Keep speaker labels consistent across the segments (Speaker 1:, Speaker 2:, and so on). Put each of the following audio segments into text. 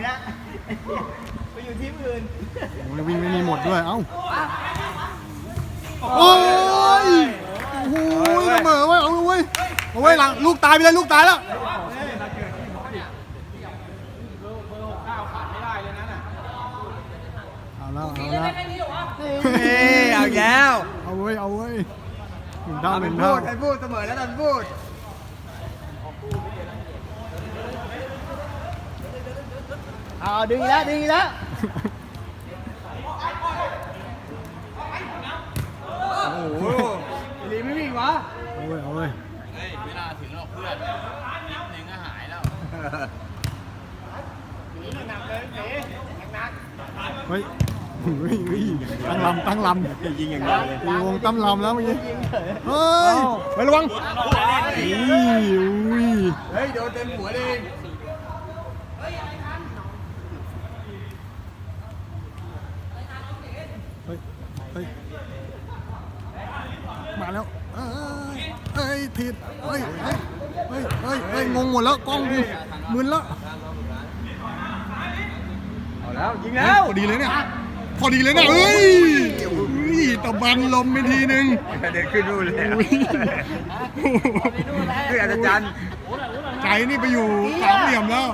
Speaker 1: นี้ยไปอยู่ทีมอื่น
Speaker 2: วิ่งไม่มีหมดด้วยเอ้าโอ้ยโอ้โหเสมอเว้ยเอาเว้ยเอาเว้ยหลังลูกตายไปเลยลูกตายแล้วเอาแล้วเอาแล้ว
Speaker 1: เอาแล้ว
Speaker 2: เอาเว้ยเอาเว้ยหนึ่งเท่าหนึ่ง
Speaker 1: พู
Speaker 2: เท่า
Speaker 1: ดให้พูดเสมอแล้วท่านพูดเอาดึงอีกแล้วดึงอีกแล้วโอ้โหลีไม่วิ่งวะ
Speaker 2: เอาเว้ยเอาเว้ย
Speaker 3: เวลาถึงเราเพื่อนนิดนึงก็หายแล้ว
Speaker 2: เฮ้ยตั้งลำ
Speaker 1: ยิงอย่างเดียวเลยว
Speaker 2: งตั้งลำแล้วเมื่อกี้เฮ้ยไประวัง
Speaker 1: เฮ้ยโดนเต็มหัวเลย
Speaker 2: เฮ้ยมาแล้วเฮ้ยผิดเฮ้ยงงหมดแล้วกล้องกูมึนแล้ว
Speaker 1: เอาแล้วยิงแล้ว
Speaker 2: พอดีเลยเนี่ยพอดีเลยเนี่ยเฮ้ยตะบันลมไปทีนึง
Speaker 1: เดินขึ้นนู่นเลยคืออาจารย์
Speaker 2: ใจนี่ไปอยู่สามเหลี่ยมแล้ว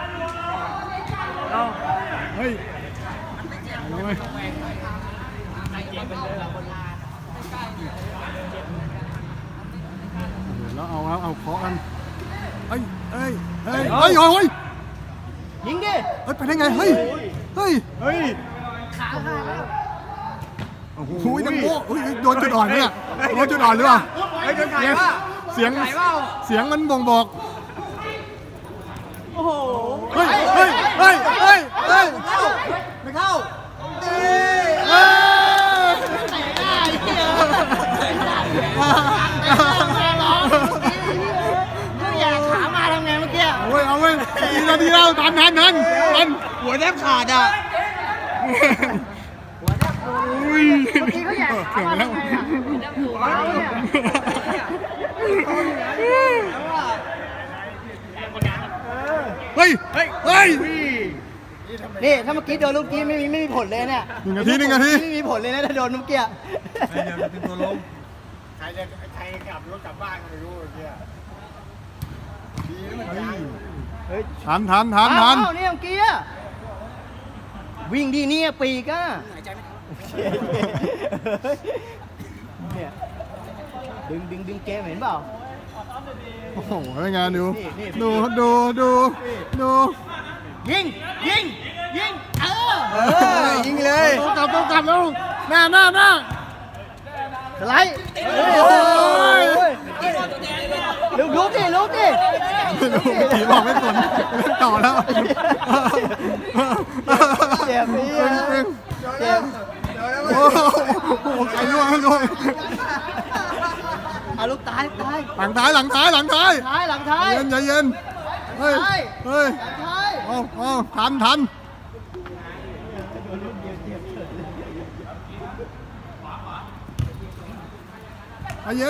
Speaker 2: เฮ้ยเอาเลยแล้วเอาเคาะกันเฮ้ย
Speaker 1: ยิงดิ
Speaker 2: ไปได้ไงเฮ้ย
Speaker 1: ขาขาดแล้ว
Speaker 2: โอ้โหดังโบ้โดนจุดอ่อนเนี่ยโดนจุดอ่อนหรือเปล่าเสียงมันบ่งบอก
Speaker 1: โอ้โห
Speaker 2: ไม่เข้า
Speaker 1: อยากขามาทำไงเมื่อกี้
Speaker 2: เอาเว้ยดีแล้วทัน
Speaker 1: หัวแทบขาดอ่ะ
Speaker 2: อุ้ยเกือบแล้วเฮ้ย
Speaker 1: นี่ถ้าเมื่อกี้โดนลูกกี้ไม่มีผลเลยเนี่ย
Speaker 2: หนึ่งนาที
Speaker 1: ไม่มีผลเลยนะถ้าโดนลูกกี้
Speaker 2: เป็นตัวลง
Speaker 3: ใครกลับรถกลับบ้านก็ไม่รู้เมื่อกี้ดีนะมันยัง
Speaker 2: ทัน
Speaker 1: นี่เมื่อกี้วิ่งดีนี่ปีกอ่ะเนี่ยดึงเกมเห็นเปล่า
Speaker 2: โอ้โหงานดู
Speaker 1: ยิง
Speaker 2: ยิงเลยกลับแล้วหน้า
Speaker 1: สไลด์ลุกดิ
Speaker 2: ผีบอกไม่สนต่อแล้ว
Speaker 1: เจ็บ
Speaker 2: โอ้โหไก่ล่วง
Speaker 1: เอาลูกตาย
Speaker 2: หลังท้ายเย็นเฮ้ยทันใจเย็น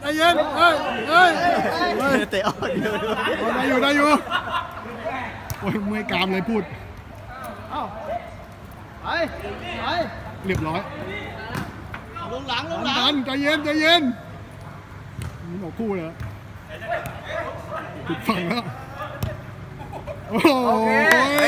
Speaker 1: เตะออก
Speaker 2: ได้อยู่โอ้ยเมื่อยกรามเลยพูด
Speaker 1: ไป
Speaker 2: เรียบร้อย
Speaker 1: ลงหลัง
Speaker 2: ใจเย็นนี่บอกคู่เลยติดฝั่งแล้วโอ้ย